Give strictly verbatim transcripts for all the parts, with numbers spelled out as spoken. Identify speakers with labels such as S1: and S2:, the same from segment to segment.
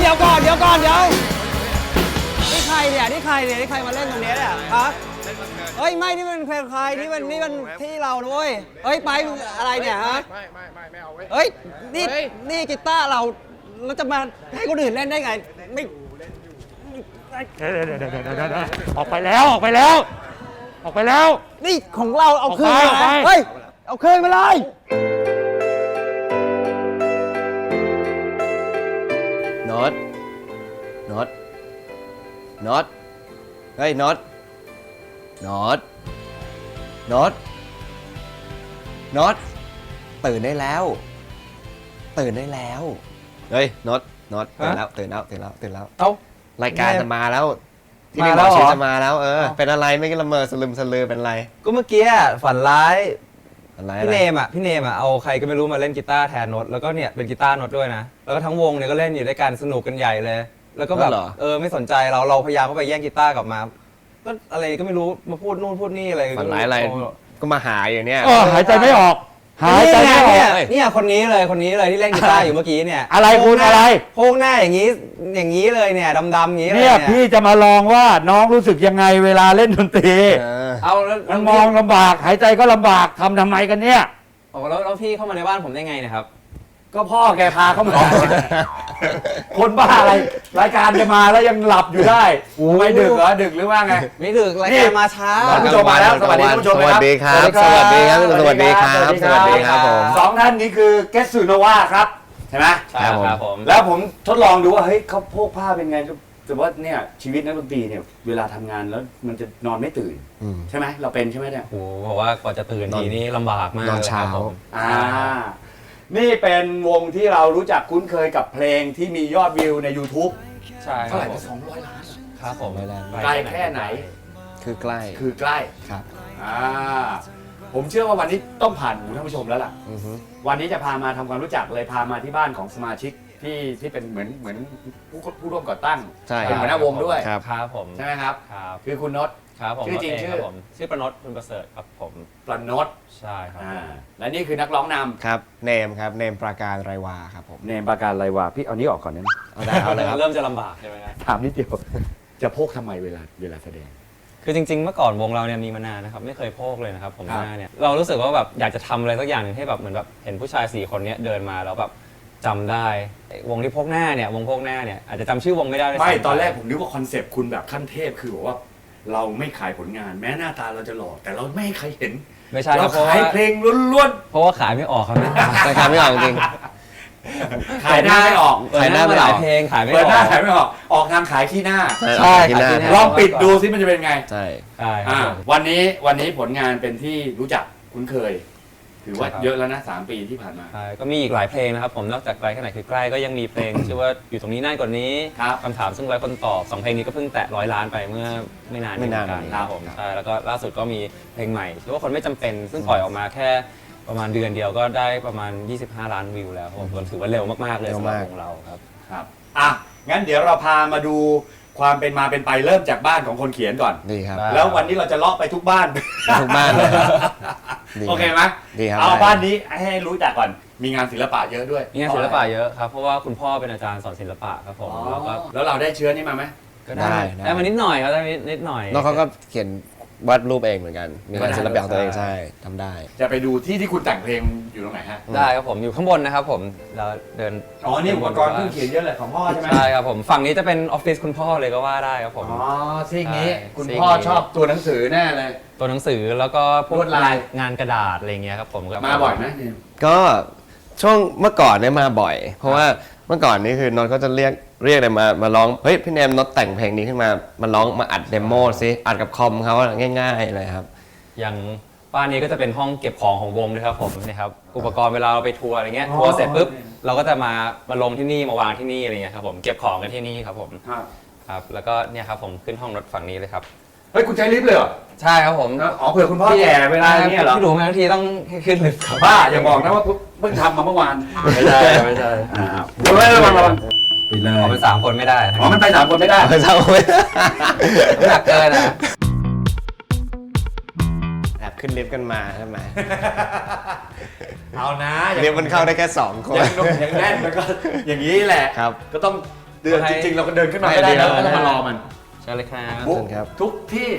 S1: ดี๋ยวก่อนเดี๋ยวก่อนเดี๋ยวนี่ใครเนี่ยนี่ใครเนี่ยนี่ใครมาเล่นตรงนี้เนี่ยฮะเฮ้ยไม่นี่มันเพลงใครนี่มันนี่มันที่เรานะเว้ยเฮ้ยไปอะไรเนี่ยฮะไม่ไม่ไม่ไม่เอาเว้ยเฮ้ยนี่นี่กีตาร์เราเราจะมาให้คนอื่นเล่นได้ไงไม่
S2: เดี๋ยวเดี๋ยวเดี๋ยวเดี๋ยวออกไปแล้วออกไปแล้วออกไปแล้ว
S1: นี่ของเราเอาคืนมา
S2: ไป
S1: เฮ้ยเอาคืนมาเลย
S3: น็อตน็อตน็อตเฮ้ยน็อตน็อตน็อตน็อตตื่นได้แล้วตื่นได้แล้วเฮ้ยน็อตน็อตตื่นแล้วตื่นแล้วตื่นแล้วตื่นแล้ว
S1: เอ้าร
S3: ายการจะมาแล้วที่
S1: มา
S3: นี่
S1: แล้
S3: บอ
S1: ว
S3: ก
S1: เหรอ
S3: ชื่อจะมาแล้วเออเป็นอะไรไม่ก็ละเมอสลึมสลือเป็นไร
S1: ก็เมื่อกี้ฝันร้าย
S3: อะไร
S1: พี่เนมอ่ะพี่เนมอ่ะเอาใครก็ไม่รู้มาเล่นกีตาร์แทนโน้ตแล้วก็เนี่ยเป็นกีตาร์โน้ตด้วยนะแล้วก็ทั้งวงเนี่ยก็เล่นอยู่ด้วยกันสนุกกันใหญ่เลย แล้วก็แบบเออไม่สนใจเราเราพยายามเข้าไปแย่งกีตาร์กลับมาก็อะไรก็ไม่รู้มาพูดนู่นพูดนี่อะไร
S3: ฝันร้ายอะไรก็มาหาอยู่เนี่ย
S2: เออหายใจไม่ออกหายใจไม่ออก
S1: เนี่ยเนี่ยคนนี้เลยคนนี้เลยที่เล่นกีตาร์อยู่เมื่อกี้เนี่ย
S2: อะไรคุณอะไร
S1: โพงหน้าอย่างนี้อย่างนี้เลยเนี่ยดำๆอย่างนี้เลย
S2: เนี่ยพี่จะมาลองว่าน้องรู้สึกยังไงเวลาเล่นดนตรี
S1: เอาแล้ว
S2: มันมองลำบากหายใจก็ลำบากทำทำไมกันเนี่ย
S1: โอ้แล้วแล้วพี่เข้ามาในบ้านผมได้ไงนะครับ
S2: ก็พ่อแกพาเข้ามาคนบ้าอะไรรายการจะมาแล้วยังหลับอยู่ได้ไม่ดึกเหรอดึกหรือว่าไง
S1: ไม่ดึกรายการมาช้า
S2: ท่านผู้ชมมาแล้วสวัสดีท่านผู้ชม
S3: สวัสดีครับสวัสดีครับสวัสดีครับสวัสดีครับผม
S2: สองท่านนี้คือเกสซูโนวาครับใช่ไหม
S1: ใช่ครับผม
S2: แล้วผมทดลองดูว่าเฮ้ยเขาโพกผ้าเป็นไงแต่ว่าเนี่ยชีวิตนักดนตรีเนี่ยเวลาทำงานแล้วมันจะนอนไม่ตื่นใช่ไหมเราเป็นใช่ไหมเนี่ย
S1: โอ้โหบอกว่ากว่าจะตื่นทีนี้ลำบากมาก
S3: นอนเช้า
S1: ครับผม
S2: อ่านี่เป็นวงที่เรารู้จักคุ้นเคยกับเพลงที่มียอดวิวใน YouTube
S1: ใช่ค
S2: เท่า
S1: รั
S2: ไห
S1: บ
S2: ร่
S1: ผม
S2: สองร้อยล้าน
S1: ครับผม
S2: ไกลแค่ไหน
S3: คือใกล้
S2: คือใกล้
S3: ครับ
S2: อ่าผมเชื่อว่าวันนี้ต้องผ่านหูท่านผู้ชมแล้วล่ะ
S3: อือฮึ
S2: วันนี้จะพามาทำความรู้จักเลยพามาที่บ้านของสมาชิกที่ที่เป็นเหมือนเหมือนผู้ผู้ร่วมก่อตั้ง
S3: ใช่
S2: เป็นหัวหน้าวงด้วย
S3: ครับ
S1: ครับผม
S2: ใช่ไหมครับ
S1: ครับ
S2: คือคุณนศ
S1: ครับผม
S2: ชื่อจริงชื่อ
S1: ครับผมชื่อประนดคุณประเสริฐครับผม
S2: ประนศ
S1: ใช่ครับ
S2: อ่าและนี่คือนักร้องน
S3: ครับเนมครับเนมปราการไรวาครับผม
S2: ำเนมประการไรวาพี่เอานี้ออกก่อนนะ
S3: เอาได้เอาเลยครับ
S1: เริ่มจะลำบากใช่ไหมครับ
S2: ถามนิดเดียวจะโพกทำไมเวลาเวลาแสดง
S1: คือจริงๆเมื่อก่อนวงเราเนี่ยมีมานานนะครับไม่เคยโพกเลยนะครับผม
S2: ครับ
S1: หน้าเนี่ยเรารู้สึกว่าแบบอยากจะทำอะไรสักอย่างหนึ่งให้แบบเหมือนแบบเห็นผู้ชายสี่คนเนี้ยเดินมาแล้วแบบจำได้ไอ้วงที่พกหน้าเนี่ยวงพกหน้าเนี่ยอาจจะจำชื่อวงไม่ได้ด้วย
S2: ไม่
S1: ซ้ำ
S2: ตอนแรกผมนึกว่าคอนเซปต์คุณแบบขั้นเทพคือบอกว่าเราไม่ขายผลงานแม้หน้าตาเราจะหล่อแต่เราไม่ให้ใครเห็น
S1: ไม่ใช่ค
S2: เรา
S1: รับเพราะ
S2: ขาย
S1: ว่า
S2: เพลงล้วน
S1: เพราะว่าขายไม่ออกครับ
S3: แต่ขายไม่ออกจริง
S2: ๆขายหน้าไม่ออก
S1: เปิด
S3: ขาย
S1: ห
S3: ห
S1: น้า
S3: น้าไม่
S1: มาห
S3: อ
S1: ลา
S3: อย ก
S1: เพลงขายไม่อ
S2: เปิด
S1: อก
S2: หน้าขายไม่ออกออกทางขายขี้หน้า
S1: ใช่
S3: ที่หน้า
S1: ขายที่หน้า
S2: ลองปิดดูซิมันจะเป็นไง
S3: ใช่
S1: ใช่ครั
S2: อ่า
S1: บผม
S2: วันนี้วันนี้ผลงานเป็นที่รู้จักคุ้นเคย ถือว่า
S1: ใช่ครับ
S2: เยอะแล้วนะสามปีที่ผ่านมา
S1: ใช่ก็มีอีกหลายเพลงนะครับผมนอกจากไกลแค่ไหนคือใกล้ก็ยังมีเพลง ชื่อว่าอยู่ตรงนี้นานกว่านี้
S2: ครับ
S1: คำถามซึ่งไร้คนตอบสองเพลงนี้ก็เพิ่งแตะร้อยล้านไปเมื่อไม่นาน
S3: ไม่นาน
S1: เหมือกั
S3: นี้
S1: ครับผมใช่แล้วก็ล่าสุดก็มีเพลงใหม่ชื่อว่าคนไม่จำเป็น ซึ่งปล่อยออกมาแค่ประมาณเดือนเดียวก็ได้ประมาณยี่สิบห้าล้านวิวแล้วครับผมถือว่าเร็วมากๆเลยสำหรับวงเราครับ
S2: ครับอ่ะงั้นเดี๋ยวเราพามาดูความเป็นมาเป็นไปเริ่มจากบ้านของคนเขียนก่อน
S3: ดีครับ
S1: ได้
S2: แล้ววันนี้เราจะเลาะไปทุกบ้าน
S3: ทุกบ้านเลยดี
S2: โอเคไหม
S3: ดีครับ
S2: เอาบ้านนี้ให้รู้จักก่อนมีงานศิลปะเยอะด้วย
S1: มีงานศิลปะเยอะครับเพราะว่าคุณพ่อเป็นอาจารย์สอนศิลปะครับผม
S2: อ๋อ
S1: แล้วก็
S2: แล้วเราได้เชื้อนี่มาไหม
S1: ก็ได้
S3: ได้
S1: ได้มานิดหน่อยครับได้นิดหน่อย
S3: น้องเขาก็เขียนวาดรูปเองเหมือนกัน มีงานศิลปะของตัวเองใช่ทำได้
S2: จะไปดูที่ที่คุณแต่งเพลงอยู่ตรงไหนฮะ
S1: ได้ครับผมอยู่ข้างบนนะครับผมเราเดิน
S2: อ๋อนี่อุปกรณ์เครื่องเขียนเยอะเลยของพ่อใช่ไหม
S1: ใช่ครับผมฝั่งนี้จะเป็นออฟฟิศคุณพ่อเลยก็ว่าได้ครับผม
S2: อ๋อซีกนี้
S1: ใช่
S2: คุณ
S1: ซีก
S2: พ่อ
S1: นี้
S2: ชอบตัวหนังสือแน่เลย
S1: ตัวหนังสือแล้วก็พว
S2: ล
S1: ก
S2: วดลาย
S1: งานกระดาษอะไรเงี้ยครับผมก็
S2: มาบ่อยไหมเนี่ย
S3: ก็ช่วงเมื่อก่อนเนี่ยมาบ่อย เพราะว่าเมื่อก่อนนี่คือนนท์เขาจะเรียกเรียกอะไรมามาร้องเฮ้ยพี่เนมนนท์แต่งเพลงนี้ขึ้นมามาร้องมาอัดเดโมซิอัดกับคอมเขาง่ายๆเลยครับ
S1: อย่างบ้านนี้ก็จะเป็นห้องเก็บของของวงด้วยครับผมนะครับอุปกรณ์เวลาเราไปทัวร์อะไรเงี้ยทัวร์เสร็จปุ๊บเราก็จะมามาลงที่นี่มาวางที่นี่อะไรเงี้ยครับผมเก็บของกันที่นี่ครับผม
S2: ครับ
S1: ครับแล้วก็เนี่ยครับผมขึ้นห้องรถฝั่งนี้เลยครับ
S2: เฮ้ยคุณใช้ลิฟต์เลยเหรอ
S1: ใช่ครับผม
S2: อ๋อเผื่อคุณพ่อแก่เวลาเนี้ยเหรอ
S1: พี่ดูมาทั้งทีต้องขึ้นลิฟต์ครับ
S2: บ้าอย่าบอกนะว่าเพิ่งทำมาเมื่อวาน
S1: ไม่ใช่ไม่ใช่
S2: อ่าระวังระวังระวังไปเลย
S1: เอาเป็นสามคนไม่ได้
S2: อ๋อมันไปสามคนไม่ได้
S3: เศร้าไหม
S1: น้ำหนักเกินนะ
S3: แอบขึ้นลิฟต์กันมาใช่ไหม
S2: เอานะ
S3: ลิฟต์มันเข้าได้แค่สองคน
S2: อย่างนุ่มอย่างแน่นมันก็อย่างนี้แหละ
S3: ครับ
S2: ก็ต้องเดือนจริงๆเราก็เดินขึ้นมาไม่ได้แล้วต้องมารอมัน
S3: ใช่เลยครับ
S2: ทุก
S3: ครับ
S2: ทุกที่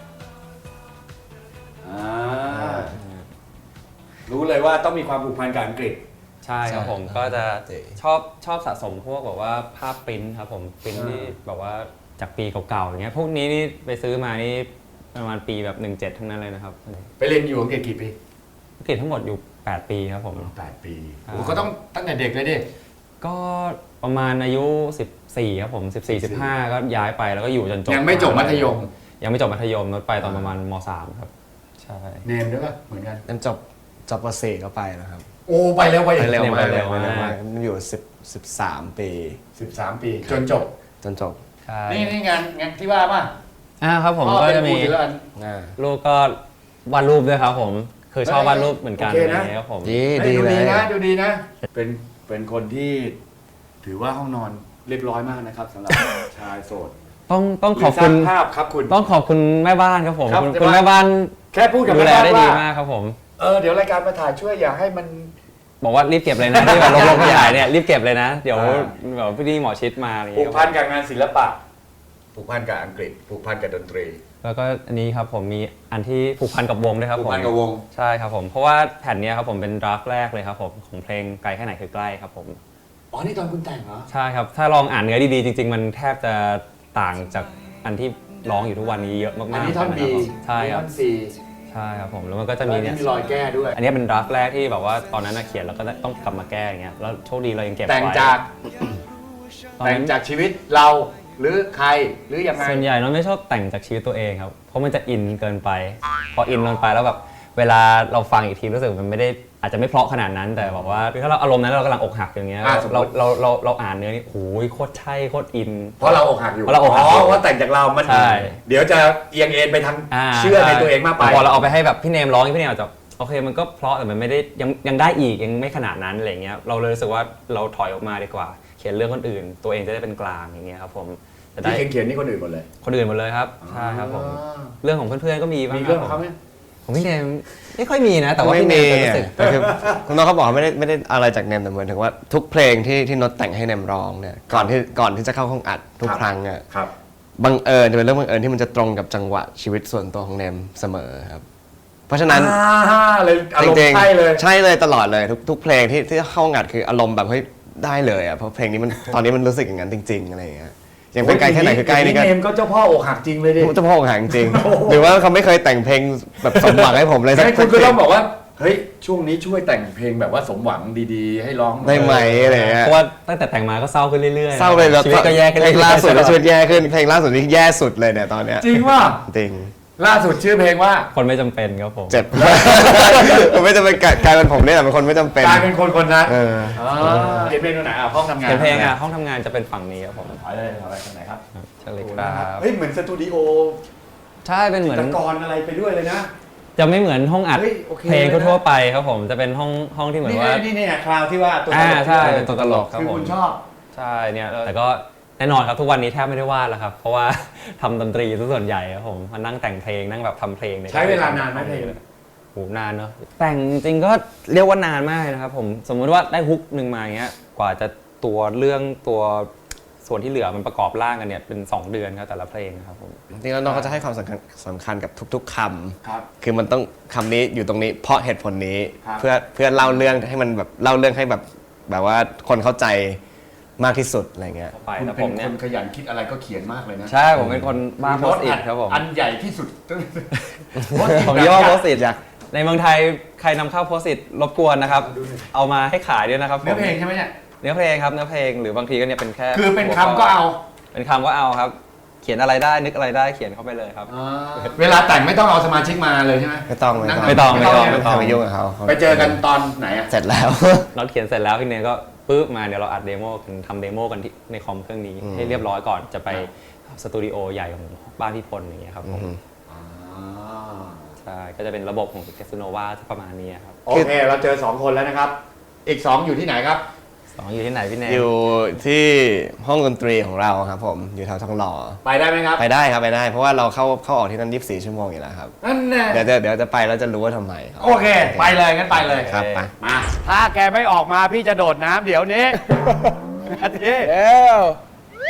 S2: อ่ารู้เลยว่าต้องมีความผูกพันกับอังกฤษ
S1: ใช่ครับผม
S3: ใช่
S1: ก็จะ
S3: เจ๋
S1: ชอบชอบสะสมพวกแบบว่าภาพปริ้นท์ครับผมปริ้นท์ที่แบบว่าจากปีเก่าๆอย่างเงี้ยพวกนี้นี่ไปซื้อมานี่ประมาณปีแบบหนึ่งเจ็ดทั้งนั้นเลยนะครับ
S2: ไปเรียนอยู่อังกฤษกี่ปี
S1: อังกฤษทั้งหมดอยู่แปดปีครับผม
S2: แปดปี
S1: อ่า
S2: โอ้ก็ต้องตั้งแต่เด็กเลยดิ
S1: ก็ประมาณอายุสิบสี่ครับผมสิบสี่ สิบห้าก็ย้ายไปแล้วก็อยู่จนจบ
S2: ยังไม่จบมัธยม
S1: ยังไม่จบมัธยมนดไปตอนประมาณม สามครับใช่
S2: เนมด้วยป่ะเหมือนกัน
S3: นั่นจบจบป .สี่ ก็ไปแล้วครับ
S2: โอ้ไปเร็วไป
S3: ไปเร็วมาก
S1: เร็
S3: เร็
S1: ว
S3: ว
S1: มาก
S3: มากมันอยู่สิบสิบสามปี
S2: สิบสามปี จนจบ
S3: จนจบ
S1: ใช่
S2: นี่นี่งานงานที่ว่าป่ะ
S1: อ่าครับผม
S2: พ่อ
S1: ก็
S2: เป็น
S1: จะ
S2: ครู
S1: มี
S2: ศิลปะ
S3: อ่า
S1: ลูกก็วาดรูปด้วยครับผมคือชอบวาดรูปเหมือนกัน
S2: โอเค
S1: อะไร
S2: นะ
S1: อย่างเงี้ยครับผม
S3: ดี
S2: เฮ้ย
S3: ดี
S2: ดู
S3: เล
S2: ดี
S3: ย
S2: นะดูดีนะ เป็นเป็นคนที่ถือว่าห้องนอนเรียบร้อยมากนะครับสำหรับ ชายโสด
S1: ต้องต้องขอบคุณ
S2: หรืสร้างภาพครับคุณ
S1: ต้องขอบคุณแม่บ้านครับผม
S2: ครับ
S1: คุณ
S2: แม่
S1: คุณ
S2: บ้าน
S1: แม่บ้าน
S2: แค่พูดกับ
S1: ดูแล
S2: แม่
S1: ได้
S2: บ้าน
S1: ดี
S2: ว่า
S1: มากครับผม
S2: เออเดี๋ยวรายการมาถ่ายช่วยอย่าให้มัน
S1: บอกว่ารีบเก็บเลยนะที่แบบลงๆขยายเนี่ยรีบเก็บเลยนะ เดี๋ยว
S2: อ่า
S1: แบบพี่นี่หมอชิดมาอะไรอย่าง
S2: ผู
S1: เงี้
S2: ก
S1: ย
S2: พันกับงานศิลปะ ผูกพันกับอังกฤษ ผูกพันกับดนตรี
S1: แล้วก็อันนี้ครับผมมีอันที่ผูกพันกับวงด้วยครับ
S2: ผู
S1: ผ
S2: ก
S1: ม
S2: พันกับวง
S1: ใช่ครับผมเพราะว่าแผ่นเนี้ยครับผมเป็นดราฟต์แรกเลยครับผมของเพลงไกลแค่ไหนคือใกล้ครับผม
S2: อ๋อ นี่ตอนคุณแต่งเหรอ
S1: ใช่ครับถ้าลองอ่านเนื้อดีๆจริง ๆ มันแทบจะต่างจากอันที่ร้องอยู่ทุกวันนี้เยอะมากๆ
S2: อันนี้ท่อน
S1: ะ
S2: บี
S1: ครับผมใช่ค
S2: ท่
S1: รั
S2: อบ นซี
S1: ใช่ครับผมแล้วมันก็จะ
S2: แล้ว
S1: มี
S2: นี่
S1: เนี่ย
S2: มีรอยแก้ด้วย
S1: อันนี้เป็นดราฟต์แรกที่แบบว่าตอนนั้นน่ะเขียนแล้วก็ต้องกลับมาแก้อย่างเงี้ยแล้วโชคดีเรายังเก็บไว้
S2: แต่งจาก
S1: ตอน
S2: แต่ง
S1: นั้น
S2: จากชีวิตเราหรือใครหรือยังไง
S1: ส่วนใหญ่เราไม่ชอบแต่งจากชีวิตตัวเองครับ เพราะมันจะอินเกินไป พออินเกินไปแล้วแบบเวลาเราฟังอีกทีรู้สึกมันไม่ได้อาจจะไม่เพราะขนาดนั้นแต่แบบว่าคือถ้าเราอารมณ์นั้นเรากำลังอกหักอย่างเงี้ย
S2: อ่ะสมมุ
S1: เรา
S2: ติ
S1: เราเราเราอ่านเนื้อนี่โอ้ยโคตรใช่โคตรอิน
S2: เพราะเราอกหักอยู่
S1: เพราะเราอกหักอยู่
S2: เพราะแต่งจากเรา มัน
S1: ใช่
S2: เดี๋ยวจะเอียงเอ็นไปทาง
S1: า
S2: เชื่อในตัวเองมากไป
S1: พอเราเอาไปให้แบบพี่เนมร้องพี่เนมอาจจะโอเคมันก็เพราะแต่มันไม่ได้ยังยังได้อีกยังไม่ขนาดนั้นอะไรเงี้ยเราเลยรู้สึกว่าเราถอยออกมาดีกว่า เขียนเรื่องคนอื่น ตัวเองจะได้เป็นกลางอย่างเงี้ยครับผมจะได้
S2: ที่เขียนๆนี่คนอื่นหมดเลย
S1: คนอื่นหมดเลยครับใช่ครับผมเรื่องของเพื่อนๆก็มีบ้าง
S2: มี
S1: ค
S2: เรื่
S1: รั
S2: อง
S1: บ
S2: ของ
S1: ผม
S2: เขาไหม
S1: ของพี่เนมไม่ค่อยมีนะ แต่ว่า
S3: ไม่
S1: พี่เน
S3: มี
S1: มจะรู้สึก
S3: แต่คือคุณน้องเขาบอกว่าไม่ได้ไม่ได้อะไรจากเนมแต่เหมือนถึงว่าทุกเพลงที่ที่โน้ตแต่งให้เนมร้องเนี่ยก่อนที่ก่อนที่จะเข้าห้องอัดทุกครั้งอ่ะ
S2: ครับ
S3: บังเอิญจะเป็นเรื่องบังเอิญที่มันจะตรงกับจังหวะชีวิตส่วนตัวของเนมเสมอครับ เพราะฉะนั้น
S2: อ่าเลยอารมณ์
S3: จริงๆ
S2: ใช่เลย
S3: ใช่เลยตลอดเลยทุกทุกเพลงที่ที่เข้าห้องอัดคืออารมณ์แบบเฮ้ยได้เลยอ่ะเพราะเพลงนี้มันตอนนี้มันรู้สึกอย่างนั้นจริงๆอะไรอย่างเงี้ยอย่างเป็นไกลแค่ไหนคือใกล้นี่ก็
S2: เนมก็เจ้าพ่ออกหักจริงเลยดิ
S3: เจ้าพ่อของหางจริง หรือว่าเขาไม่เคยแต่งเพลงแบบสมหวังให้ผมเลยสัก
S2: ให้คุณ
S3: เพล
S2: ก็ต้องบอกว่า เฮ้ย ช่วงนี้ช่วยแต่งเพลงแบบว่าสมหวังดีๆ ให้ร้อง
S3: ได้ไหมอะไรอย่างเงี้ย
S1: เพราะว่าตั้งแต่แต่งมาก็เศร้าขึ้นเรื่อยๆ
S3: เศร้าเลยแล้ว
S1: ชีวิตก็แย่ขึ้น
S3: เพล
S1: เรื่อยๆ
S3: งล่าสุดก็ชีวิตแย่ขึ้นเพลงล่าสุดนี่แย่สุดเลยเนี่ยตอนเนี้ย
S2: จริงว่า
S3: จริง
S2: ล่าสุดชื่อเพลงว่า
S1: คนไม่จำเป็นครับผม
S3: เจ็บ ผมไม่จะเป็นกลายเป็นผมเนี่ยแหละเป็นคนไม่จำเป็น
S2: กลายเป็นคนคนนั้น
S3: เออ
S2: เขียนเพลงตรงไหนอ่ะห้องทำงาน
S1: เขียนเพลงอ่ะห้องทำงานจะเป็นฝั่งนี้ครับผม
S2: ถอยเลยถอยไปทางไหนครับ
S1: ใช่เลยครับ
S2: เฮ้ยเหมือนสตูดิโอ
S1: ใช่เป็นเหมือน
S2: ตะกอนอะไรไปด้วยเลยนะ
S1: จะไม่เหมือนห้องอัด
S2: เฮ้ยโอเค
S1: เพลง
S2: เลยนะ
S1: ทั่วๆไปครับผมจะเป็นห้องห้องที่เหมือน
S2: นี่
S1: ว่า
S2: นี่นี่คราวที่ว่าตัวต
S1: อ่า
S2: ลก
S1: ใช่เป็นตัวตลกครับ
S2: คือ
S1: ผม
S2: คุณชอบ
S1: ใช่เนี่ยแต่ก็แน่นอนครับทุกวันนี้แทบไม่ได้วาดแล้วครับ เพราะว่า ทำดนตรีซะส่วนใหญ่ครับผมมานั่งแต่งเพลงนั่งแบบทำเพลงนี่ย
S2: ใช้เวลานานไหมเพลง
S1: โหนานเนอะแต่งจริงก็เรียกว่านานมากนะครับผมสมมุติว่าได้ฮุกหนึ่งมาอย่างเงี้ยกว่าจะตัวเรื่องตัวส่วนที่เหลือมันประกอบร่างกันเนี่ยเป็นสองเดือนครับแต่ละเพลงครับผม
S3: จริงๆแล้วน้องเขาจะให้ความสำคัญสำคัญกับทุก ๆค
S2: ครับ
S3: ำคือมันต้องคำนี้อยู่ตรงนี้เพราะเหตุผลนี้
S2: ครับ
S3: เพื่อเพื่อเล่าเรื่องให้มันแบบเล่าเรื่องให้แบบแบบว่าคนเข้าใจมากที่สุดอะไรเงี้ย
S1: ไป
S2: คุณ
S1: แล้ว
S2: เป็
S1: ผ
S2: น
S1: ม
S2: ค
S1: เนี่ย
S2: นขยันคิดอะไรก็เขียนมากเลยนะ
S1: ใช่ผมเป็นคนบ้าโพสต์อิทครับผม
S2: อันใหญ่ที่สุด
S1: ผมเรียกว่าโพสต์อิทในเมืองไทยใครนำเข้าโพสต์อิทรบกวนนะครับ เอามาให้ขายด้วยนะครับผม
S2: เนื้อเพลงใช่ไหมเนี่ย
S1: เนื้อเพลงครับเนื้อเพลงหรือบางทีก็เนี่ยเป็นแค่
S2: คือเป็นคำก็เอา
S1: เป็นคำก็เอาครับ เขียนอะไรได้นึกอะไรได้เขียนเข้าไปเลยครับ
S2: เวลาแต่งไม่ต้องเอาสมาชิกมาเลยใช่ไหม
S3: ไม่ต้อง
S2: นั่
S1: ไม่ต้องไม่ต้อง
S3: ไม่ต้องไปยุ่งกับเขา
S2: ไปเจอกันตอนไหนอะ
S3: เสร็จแล้ว
S1: เราเขียนเสร็จแล้วพี่เนยก็ปึ๊บมาเดี๋ยวเราอัดเดโมกันทำเดโมกันที่ในคอมเครื่องนี้
S3: อืม
S1: ให้เรียบร้อยก่อนจะไปสตูดิโอใหญ่ของบ้านพี่พลอย่างเงี้ยครับผม
S3: อืม
S1: ใช่ก็จะเป็นระบบของแคสโนวาประมาณนี้ครับ
S2: โอเค เราเจอสองคนแล้วนะครับ อีกสองอยู่ที่ไหนครับ
S1: สองอยู่ที่ไหนพี่เนย
S3: อยู่ที่ห้องดนตรีของเราครับผมอยู่แถวทองหล่อ
S2: ไปได้ไหมครับ
S3: ไปได้ครับไปได้ เพราะว่าเราเข้าเข้าออกที่นั่นยี่สิบสี่ชั่วโมงอยู่แล้วครับ
S2: นั่นแน่
S3: เดี๋ยวจะเดี๋ยวจะไปแล้วจะรู้ว่าทำไมครับ
S2: โอเค ไปเลยงั้นไปเลย
S3: ครับไป
S2: มา ถ้าแกไม่ออกมาพี่จะโดดน้ำเดี๋ยวนี้ อาทิ
S3: เร็ว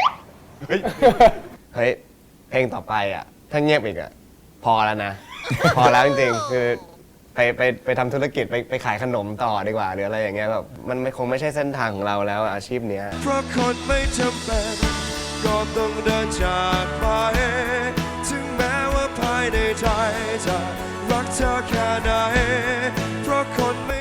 S3: เฮ้ย เฮ้ย เพลงต่อไปอ่ะ ถ้าเงียบอีกอ่ะ พอแล้วนะ พอแล้วจริงๆ คือไปไปไปทำธุรกิจไปไปขายขนมต่อดีกว่าหรืออะไรอย่างเงี้ยแบบมันไม่คงไม่ใช่เส้นทางของเราแล้วอะอาชีพเนี้ย
S4: เพราะคนไม่จำเป็นก็ต้องเดินจากไป ถึงแม้ว่าภายในใจจะรักเธอแค่ไหนเพราะคนไม่